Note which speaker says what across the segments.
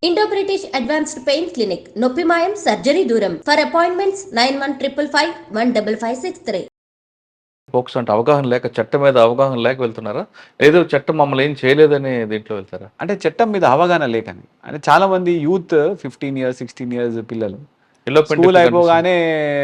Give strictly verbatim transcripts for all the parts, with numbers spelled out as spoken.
Speaker 1: Indo British advanced pain clinic నొప్పి మాయం surgery దూరం for appointments nine one triple five one double five six three.
Speaker 2: ఫోక్స్ అంటే అవగాహన లేక చట్టం మీద అవగాహన లేక వెళ్తున్నారా, ఏదో చట్టం మమ్మల్ని ఏం చేయలేదని దీంట్లో వెళ్తారా?
Speaker 3: అంటే చట్టం మీద అవగాహన లేకని. అంటే చాలా మంది youth fifteen years sixteen years పిల్లలు స్కూల్ అయిపోగానే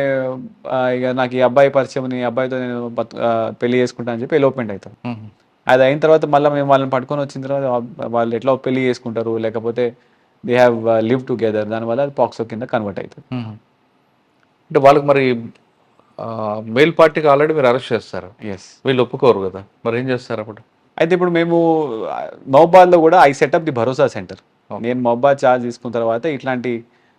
Speaker 3: ఆ, ఇక నాకు ఈ అబ్బాయి పరిచయం, ఈ అబ్బాయితో నేను బతు- ఆ, పెళ్లి చేసుకుంటా అని చెప్పి ఎలోప్మెంట్ అవుతాం. అది అయిన తర్వాత మళ్ళీ మేము వాళ్ళని పట్టుకొని వచ్చిన తర్వాత వా- వాళ్ళు ఎట్లా పెళ్లి చేసుకుంటారు, లేకపోతే దే హ్యావ్ లివ్ టుగెదర్, దానివల్ల అది పాక్సో కింద కన్వర్ట్ అవుతుంది.
Speaker 2: అంటే వాళ్ళకి మరి మెయిల్ పార్టీకి ఆల్రెడీ మీరు అరెస్ట్ చేస్తారు,
Speaker 3: ఎస్.
Speaker 2: వీళ్ళు ఒప్పుకోరు కదా, మరి ఏం చేస్తారు అప్పుడు?
Speaker 3: అయితే ఇప్పుడు మేము మహబాద్లో కూడా I set up the Bharosa centre. నేను మహబాద్ ఛార్జ్ తీసుకున్న తర్వాత ఇట్లాంటి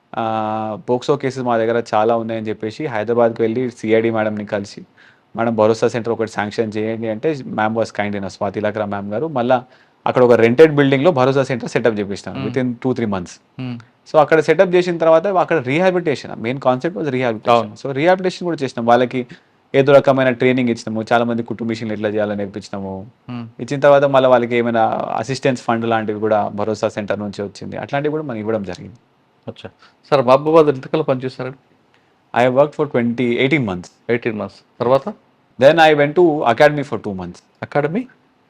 Speaker 3: పోక్సో కేసెస్ మా దగ్గర చాలా ఉన్నాయని చెప్పేసి హైదరాబాద్కి వెళ్ళి సిఐడి మేడంని కలిసి మేడం భరోసా సెంటర్ ఒకటి శాంక్షన్ చేయండి అంటే ma'am was kind in Swati Lakra ma'am garu మళ్ళీ అక్కడ ఒక రెంటెడ్ బిల్డింగ్లో భరోసా సెంటర్ సెటప్ చేపిస్తాను within two three months. So అక్కడ సెటప్ చేసిన తర్వాత అక్కడ rehabilitation main concept was rehabilitation. So rehabilitation కూడా చేసినాం, వాళ్ళకి ఏదో రకమైన ట్రైనింగ్ ఇచ్చినాము, చాలా మంది కుటుంబ మిషన్లు ఎట్లా చేయాలని నేర్పించినాము. ఇచ్చిన తర్వాత మళ్ళీ వాళ్ళకి ఏమైనా అసిస్టెన్స్ ఫండ్ లాంటివి కూడా భరోసా సెంటర్ నుంచి వచ్చింది, అట్లాంటివి కూడా మనం ఇవ్వడం జరిగింది.
Speaker 2: అచ్చా సార్, మహబూబాద్ ఎంతకాలం పనిచేస్తారండి?
Speaker 3: I work for twenty eighteen months.
Speaker 2: Eighteen months తర్వాత
Speaker 3: then I went to academy for two months.
Speaker 2: Academy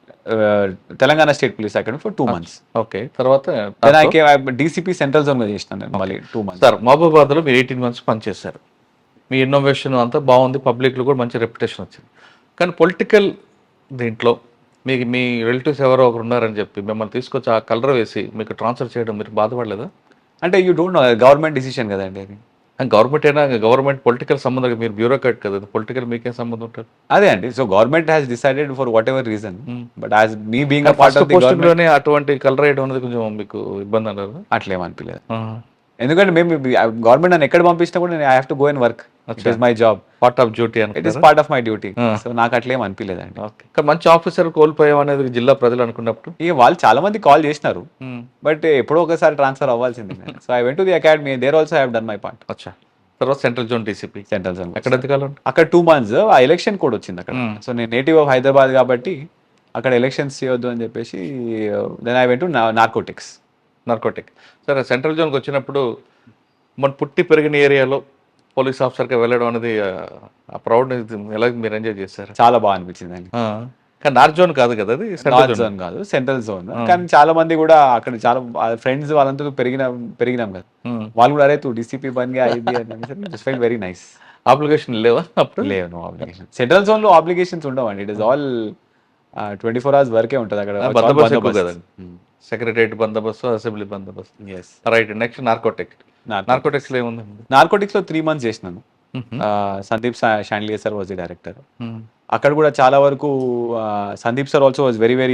Speaker 3: Telangana state police academy for two months.
Speaker 2: Okay, తర్వాత
Speaker 3: దెన్ ఐ కే డీసీపీ సెంట్రల్ జోన్ గా చేసినాను నేను మళ్ళీ టూ మంత్స్.
Speaker 2: సార్ మహబూబాద్లో మీరు eighteen months పనిచేశారు, మీ innovation అంతా బాగుంది, పబ్లిక్లో కూడా మంచి రెప్యుటేషన్ వచ్చింది. కానీ పొలిటికల్ దీంట్లో మీకు మీ రిలేటివ్స్ ఎవరో ఒకరు ఉన్నారని చెప్పి మిమ్మల్ని తీసుకొచ్చి ఆ కలర్ వేసి మీకు ట్రాన్స్ఫర్ చేయడం మీరు బాధపడలేదా?
Speaker 3: అంటే you don't know, government decision కదండి అది.
Speaker 2: గవర్నమెంట్ అయినా గవర్నమెంట్ పొలిటికల్ సంబంధం, మీరు బ్యూరోక్రాట్ కదా, పొలిటికల్ మీకేం సంబంధం ఉంటుంది?
Speaker 3: అదే అండి, so government has decided for whatever reason, but as me being a part of the government
Speaker 2: లోనే అటువంటి కలర్ వేయడం అనేది కొంచెం మీకు ఇబ్బంది అన్నారు?
Speaker 3: అట్లేమనిపించలేదు, ఎందుకంటే మేము గవర్నమెంట్ నన్ను ఎక్కడ పంపించినా కూడా నేను I have to go and work. It is my job,
Speaker 2: part of duty అని.
Speaker 3: It is part of my duty. So నాకు అట్లేం అనిపించలేదండి.
Speaker 2: ఓకే, కానీ మంచి ఆఫీసర్ కోల్పోయాం అనేది జిల్లా ప్రజలు అనుకున్నప్పుడు
Speaker 3: ఇక వాళ్ళు చాలా మంది కాల్ చేసినారు, బట్ ఎప్పుడో ఒకసారి ట్రాన్స్ఫర్ అవ్వాల్సింది. So I went to the academy, there also have done my part.
Speaker 2: అచ్చా, తర్వాత central zone DCP
Speaker 3: central zone
Speaker 2: ఎక్కడ ఎంతకాలం?
Speaker 3: అక్కడ టూ మంత్స్ ఆ ఎలక్షన్ కోడ్ వచ్చింది అక్కడ. సో నేను నేటివ్ ఆఫ్ హైదరాబాద్ కాబట్టి అక్కడ ఎలక్షన్స్ చేయొద్దు అని చెప్పేసి then I went to narcotics.
Speaker 2: Narcotic. సరే, సెంట్రల్ జోన్కి వచ్చినప్పుడు మన పుట్టి పెరిగిన ఏరియాలో పోలీస్ ఆఫీసర్గా వెళ్ళడం అనేది ఆ ప్రౌడ్ ఎలా మీరు ఎంజాయ్ చేశారు?
Speaker 3: చాలా బాగా అనిపించింది అండి.
Speaker 2: కానీ నార్త్ జోన్ కాదు కదా అది,
Speaker 3: నార్త్ జోన్ కాదు, సెంట్రల్ జోన్. కానీ చాలా మంది కూడా అక్కడ చాలా ఫ్రెండ్స్ వాళ్ళంతా పెరిగిన పెరిగినాం కదా, వాళ్ళు కూడా అరే తూ డీసీపీ బన్గా అయింది అని ఫెల్ వెరీ నైస్.
Speaker 2: అప్లికేషన్ లేవా అప్పుడు?
Speaker 3: లేవు, నో అప్లికేషన్. సెంట్రల్ జోన్ లో అప్లికేషన్స్ ఉండవండి, it is all twenty four hours వర్కే ఉంటుంది అక్కడ.
Speaker 2: బందోబస్తు ఎక్కువ కదండి, సెక్రటరియట్ బందోబస్తు, అసెంబ్లీ బందోబస్తు.
Speaker 3: Yes,
Speaker 2: right. Next narcotic. Narcotics లో ఏముంది?
Speaker 3: నార్కోటిక్స్ లో త్రీ మంత్స్ చేసినాను. Sandeep Shandilya sir was the director. అక్కడ కూడా చాలా వరకు Sandeep sir also was very very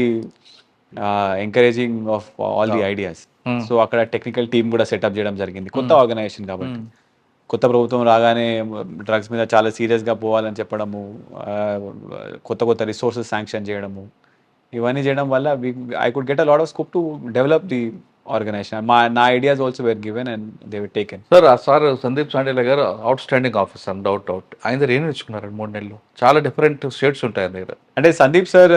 Speaker 3: encouraging of all the ideas. So అక్కడ టెక్నికల్ టీమ్ కూడా సెటప్ చేయడం జరిగింది, కొత్త ఆర్గనైజేషన్ కాబట్టి. కొత్త ప్రభుత్వం రాగానే డ్రగ్స్ మీద చాలా సీరియస్గా పోవాలని చెప్పడము, కొత్త కొత్త రిసోర్సెస్ శాంక్షన్ చేయడము, ఇవన్నీ చేయడం వల్ల I could get a lot of scope to develop the organisation. మా నా ideas also were given and they were taken.
Speaker 2: Sir ఆ sir Sandeep Shandilya garu outstanding officer, doubt doubt ఆయన దగ్గర ఏం నేర్చుకున్నారు మూడు నెలలు? చాలా డిఫరెంట్ స్టేట్స్ ఉంటాయి ఆయన దగ్గర.
Speaker 3: అంటే Sandeep sir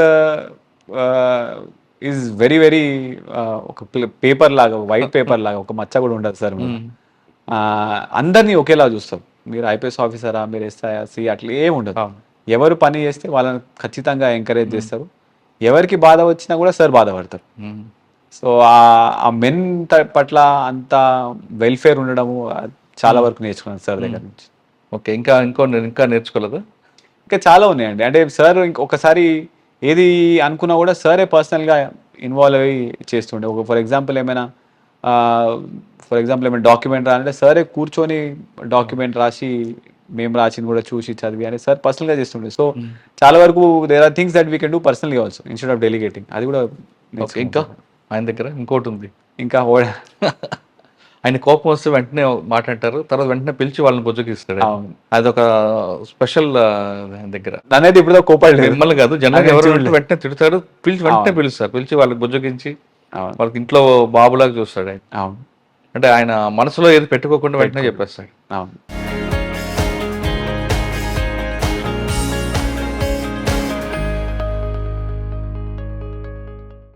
Speaker 3: is very very ఒక పేపర్ లాగా, వైట్ పేపర్ లాగా, ఒక మచ్చ కూడా ఉండదు సార్. అందరినీ ఒకేలా చూస్తారు. మీరు ఐపీఎస్ ఆఫీసరా, మీరు ఎస్ఐ సి అట్లా ఏమి ఉండదు. ఎవరు పని చేస్తే వాళ్ళని ఖచ్చితంగా ఎంకరేజ్ చేస్తారు. ఎవరికి బాధ వచ్చినా కూడా సార్ బాధపడతారు. సో ఆ మెన్ పట్ల అంత వెల్ఫేర్ ఉండడము చాలా వరకు నేర్చుకున్నాను సార్ దగ్గర నుంచి.
Speaker 2: ఓకే, ఇంకా ఇంకో ఇంకా నేర్చుకోలేదు?
Speaker 3: ఇంకా చాలా ఉన్నాయండి. అంటే సార్ ఇంకొకసారి ఏది అనుకున్నా కూడా సరే పర్సనల్గా ఇన్వాల్వ్ అయ్యి చేస్తుండే. ఒక ఫర్ ఎగ్జాంపుల్ ఏమైనా ఫర్ ఎగ్జాంపుల్ ఏమైనా డాక్యుమెంట్ రానంటే సరే కూర్చొని డాక్యుమెంట్ రాసి మేము రాసింది కూడా చూసి చదివి అని సార్ పర్సనల్గా చేస్తుండే. సో చాలా వరకు there are things that we can do పర్సనల్గా ఆల్సో ఇన్స్టెడ్ ఆఫ్ డెలిగేటింగ్. అది కూడా
Speaker 2: ఇంకా ఆయన దగ్గర ఇంకోటి ఉంది,
Speaker 3: ఇంకా
Speaker 2: ఆయన కోపం వస్తే వెంటనే మాట్లాడతారు, తర్వాత వెంటనే పిలిచి వాళ్ళని బుజ్జగిస్తాడు. అదొక స్పెషల్ దగ్గర.
Speaker 3: అనేది ఇప్పుడు కోపడలేదు,
Speaker 2: మిమ్మల్ని కాదు, జనరల్ ఎవరు వెంటనే తిడతాడు, పిలిచి వెంటనే పిలుస్తారు, పిలిచి వాళ్ళకి బుజ్జగించి వాళ్ళకి ఇంట్లో బాబులాగా చూస్తాడు ఆయన. అంటే ఆయన మనసులో ఏది పెట్టుకోకుండా వెంటనే చెప్పేస్తాడు.
Speaker 3: అవును.